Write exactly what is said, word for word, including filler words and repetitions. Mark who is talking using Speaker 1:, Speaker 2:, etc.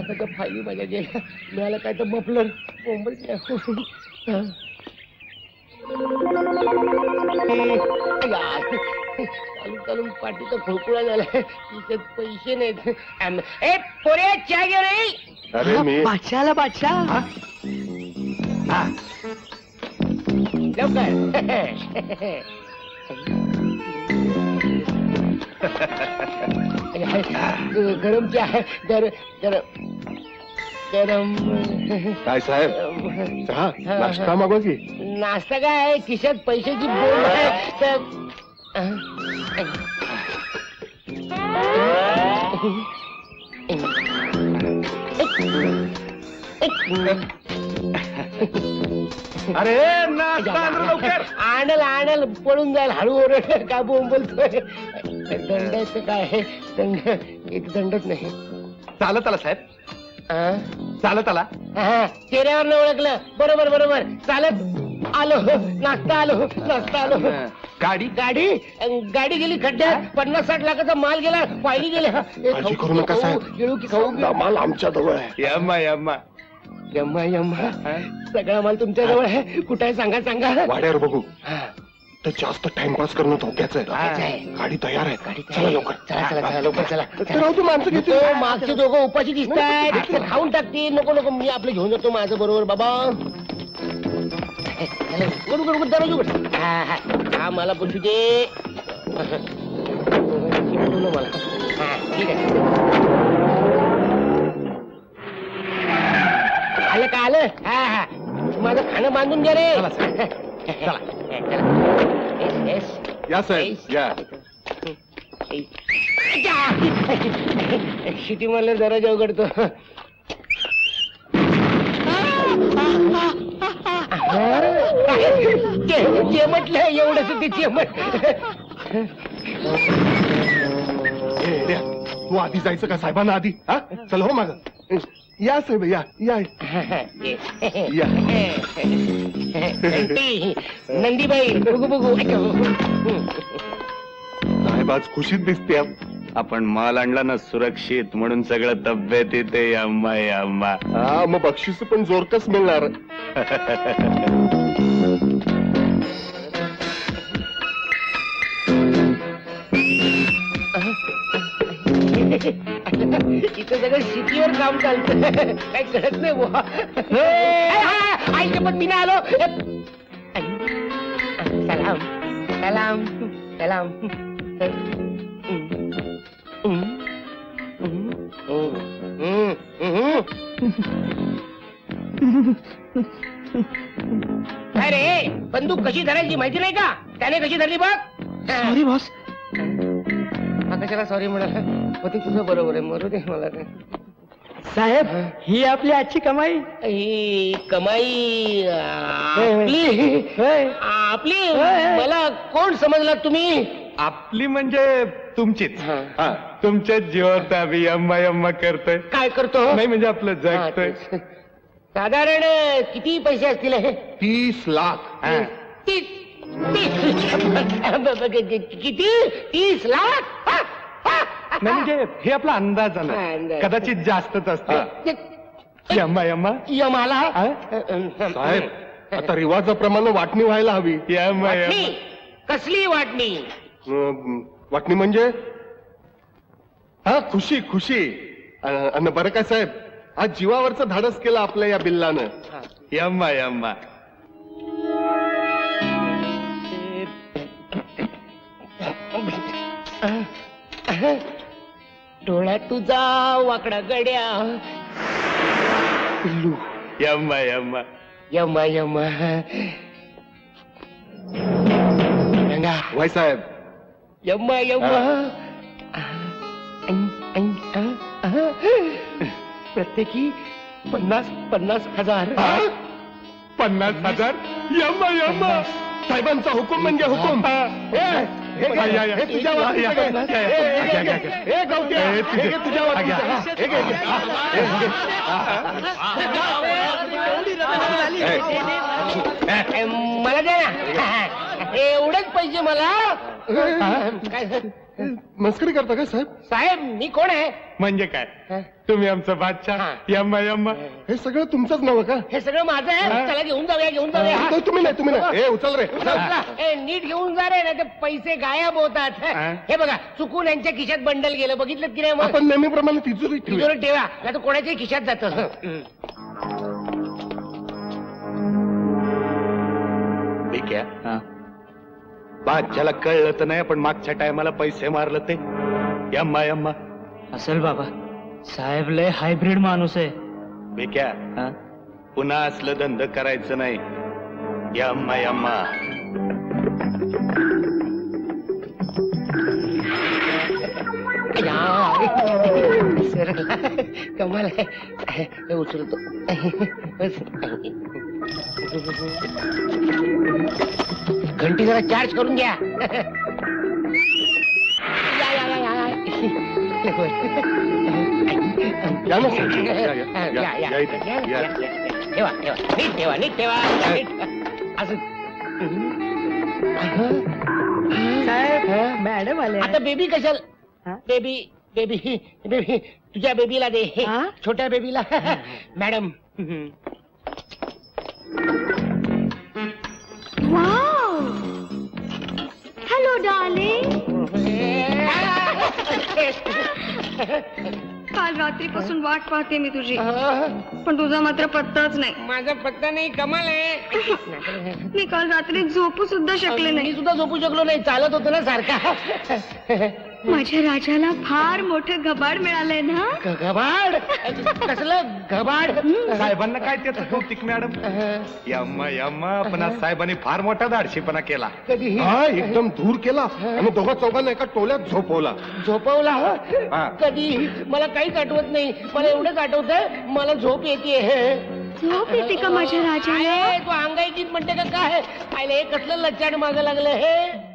Speaker 1: लाखाच्या फायली माझ्या गेल्या. मिळालं काय तर मफलर मुंबईत. चालून चालून पाठीचा खोळकुळा झाला. तिच्यात पैसे नाहीत. आम- ए पोरे चहा घे रे.
Speaker 2: अरे मी
Speaker 3: बादशाला बादशाह
Speaker 1: लवकर गरम चहा आहे. गर गर गरम.
Speaker 2: काय साहेब चहा नाश्ता मागवा की.
Speaker 1: नाश्ता काय आहे? खिशात पैशाची बोल आहे तर
Speaker 2: अरे नाश्ता आण रे लवकर.
Speaker 1: आणल आणल पळून जाईल. हळू ओरड का बोलतोय. दंडाचं काय आहे? दंड एक दंडच नाही.
Speaker 2: चालत आला साहेब,
Speaker 1: हा?
Speaker 2: चालत आला.
Speaker 1: हा, चेहऱ्यावर न ओळखलं. बरोबर बरोबर. चालत आलो. नाश्ता आलो. नाश्ता आलो.
Speaker 2: गाडी
Speaker 1: गाडी गाडी गेली खड्ड्यात. पन्नास साठ लाखाचा माल गेला. पायली गेल्या.
Speaker 2: काळजी करू नका साहेब.
Speaker 1: गिळू की खाऊ?
Speaker 2: माल आमच्या जवळ आहे. यम्मा यम्मा
Speaker 1: यम्मा यम्मा. सगळा माल तुमच्या जवळ आहे. कुठे आहे सांगा सांगा.
Speaker 2: वाड्यावर बघू.
Speaker 1: हा,
Speaker 2: तर जास्त टाइमपास करणं धोक्याचं
Speaker 1: धोक्याचं
Speaker 2: आहे.
Speaker 1: आहे.
Speaker 2: गाडी तयार आहे.
Speaker 1: गाडी
Speaker 2: चला लवकर.
Speaker 1: चला चला चला लवकर चला.
Speaker 2: राहू तू माणसं घेतो.
Speaker 1: तो मागचे दोघं उपाशी दिसतात. खाऊन टाकतील. नको नको मी आपलं घेऊन जातो माझं बरोबर बाबा. उघड उघड उघड दरवाजा उघड. हा हा हा मला बोलू दे. मला हा ठीक आहे. आलं का आलं. हा हा माझं खाणं बांधून द्या रे. चला
Speaker 2: या साहेब या.
Speaker 1: शिटी मला दरवाजा उघडतो. चेमटलं एवढंच ते चेमट.
Speaker 2: ए, रे, तू आधी जायचं का साहेबांना आधी? हा चल हो माग. या साहेब या या या.
Speaker 1: नंदी नंदीबाई बघू बघू.
Speaker 2: साहेब आज खुशीत दिसते.
Speaker 4: आपण माल आणला ना सुरक्षित, म्हणून सगळं तब्येत येते. अम्मा अम्मा.
Speaker 2: हा मग बक्षीस पण जोरकस मिळणार.
Speaker 1: इथं सगळं शेतीवर काम चालतं. काही कळत नाही बुवा. आईच्या पण मी आलो. सलाम सलाम सलाम. अरे बंदूक कशी धरायची माहिती नाही का? त्याने कशी धरली बघ.
Speaker 3: Sorry boss.
Speaker 1: हा कशाला सॉरी म्हणाला. होते तुझं बरोबर आहे. मरू दे मला काय.
Speaker 3: साहेब ही आपली आजची कमाई.
Speaker 1: ही कमाई आपली आपली. मला कोण समजला तुम्ही?
Speaker 4: आपली म्हणजे तुमचीच.
Speaker 1: हा.
Speaker 4: तुमच्याच जीवावर आम्ही अम्मा अम्मा करतोय.
Speaker 1: काय करतो?
Speaker 4: नाही म्हणजे आपलं
Speaker 1: हा,
Speaker 4: जगतोय.
Speaker 1: तेच. साधारण किती पैसे असतील हे?
Speaker 2: तीस लाख.
Speaker 4: हा.
Speaker 1: तीस तीस किती? तीस लाख. हा, हा.
Speaker 4: नाही म्हणजे हे आपला अंदाज
Speaker 1: हा,
Speaker 4: आला.
Speaker 1: अंदाज.
Speaker 4: कदाचित जास्तच असते. अम्मा अम्मा.
Speaker 1: यमाला
Speaker 2: साहेब आता रिवाजाप्रमाणे वाटणी व्हायला हवी.
Speaker 4: अम्मा
Speaker 1: वाटणी? कसली वाटणी?
Speaker 2: अं, वाटणी म्हणजे हा खुशी खुशी. अं, अन बरं काय साहेब आज जीवावरचं धाडस केलं आपल्या या बिल्लानं.
Speaker 4: अम्मा अम्मा.
Speaker 1: डोळा तुझा वाकडा गड्या. पिल्लू
Speaker 4: अम्मा अम्मा.
Speaker 1: यमा यमा. रंगा
Speaker 2: वाय साहेब
Speaker 1: यम्मा यम्मा. प्रत्येकी पन्नास पन्नास हजार.
Speaker 2: पन्नास हजार. यम्मा यम्मा. साहेबांचा हुकुम म्हणजे हुकुम. ए, हे घे,
Speaker 4: या, या.
Speaker 2: हे तुझ्या वाटणीचं घे.
Speaker 4: या, या.
Speaker 2: ए, हे घे,
Speaker 4: घ्या,
Speaker 2: घे.
Speaker 4: घ्या.
Speaker 2: ए, गवत्या,
Speaker 4: ए,
Speaker 2: हे
Speaker 4: तुझे.
Speaker 2: घे तुझ्या वाटणीचं.
Speaker 4: घ्या.
Speaker 2: हे घे, घे. हे घे.
Speaker 1: मला द्या ना. एवढेच पाहिजे मला काय
Speaker 2: मस्करी करता काय साहेब?
Speaker 1: साहेब मी कोण आहे?
Speaker 4: म्हणजे काय तुम्ही आमचं बादशाह
Speaker 1: हा.
Speaker 4: यम्मा यम्मा.
Speaker 2: हे सगळं तुमचंच नव का?
Speaker 1: हे सगळं माझं आहे. चला घेऊन जाऊया घेऊन जाऊया
Speaker 2: नाही, तुम्ही नाही तुम्ही नाही. ए उचल रे उचल.
Speaker 1: चला, ए, नीट घेऊन जा रे नाही ते पैसे गायब होतात.
Speaker 4: हा.
Speaker 1: हे बघा चुकून यांच्या खिशात बंडल गेलं बघितलं की नाही मग
Speaker 2: आपण नेहमीप्रमाणे तिजोरी ठेवूया.
Speaker 1: तिजोरीत ठेवा नाही तर कोणाच्याही खिशात जातं.
Speaker 4: ठीक आहे. बादशाला कळलं तर नाही पण मागच्या टायमाला पैसे मारलं ते यम्मा यम्मा.
Speaker 3: असेल बाबा, साहेब लय हायब्रिड माणूस आहे.
Speaker 4: बेक्या पुन्हा असलं धंद करायचं नाही. यम्मा यम्मा.
Speaker 1: सर कमाल आहे. हे उचलतो. घंटी जरा चार्ज करून घ्या. या, या, या, या, या.
Speaker 2: या ना साहेब. या, या,
Speaker 1: या,
Speaker 2: या,
Speaker 1: या,
Speaker 2: या इथे.
Speaker 1: या,
Speaker 2: या.
Speaker 1: या, या. ठेवा ठेवा नीट ठेवा नीट ठेवा नीट ठेवा. असं
Speaker 3: साहेब मॅडम आले.
Speaker 1: आता बेबी कशाला?
Speaker 3: हा?
Speaker 1: बेबी बेबी बेबी तुझ्या बेबीला दे.
Speaker 3: हा?
Speaker 1: छोट्या बेबीला. Madam
Speaker 5: hello darling. काल रात्रीपासून वाट पाहते मी तुझी, पण तुझा मात्र पत्ताच नाही.
Speaker 1: माझा पत्ता नाही. कमाल आहे.
Speaker 5: मी काल रात्री झोपू सुद्धा शकले
Speaker 1: मी
Speaker 5: नाही.
Speaker 1: सुद्धा झोपू शकलो नाही. चालत होतो ना सारखा.
Speaker 5: माझ्या राजाला फार मोठं घबाड मिळालंय ना.
Speaker 1: ग- घबाड कसलं घबाड?
Speaker 4: साहेबांना काय त्याचं कौतिक मॅडम. यम्मा यम्मा. पण आज साहेबांनी फार मोठा धाडशीपणा केला.
Speaker 1: कधी
Speaker 2: हा एकदम दूर केला आणि दोघा चौघांना एका टोल्यात झोपवला.
Speaker 1: झोपवला?
Speaker 2: हा.
Speaker 1: कधी? मला काहीच आठवत नाही. मला एवढंच आठवतंय मला झोप येते.
Speaker 5: झोप येते का माझ्या राजाला?
Speaker 1: तू अंगाई गीत म्हणते का काय? आयले हे कसलं लच्चाड मागं लागलं हे.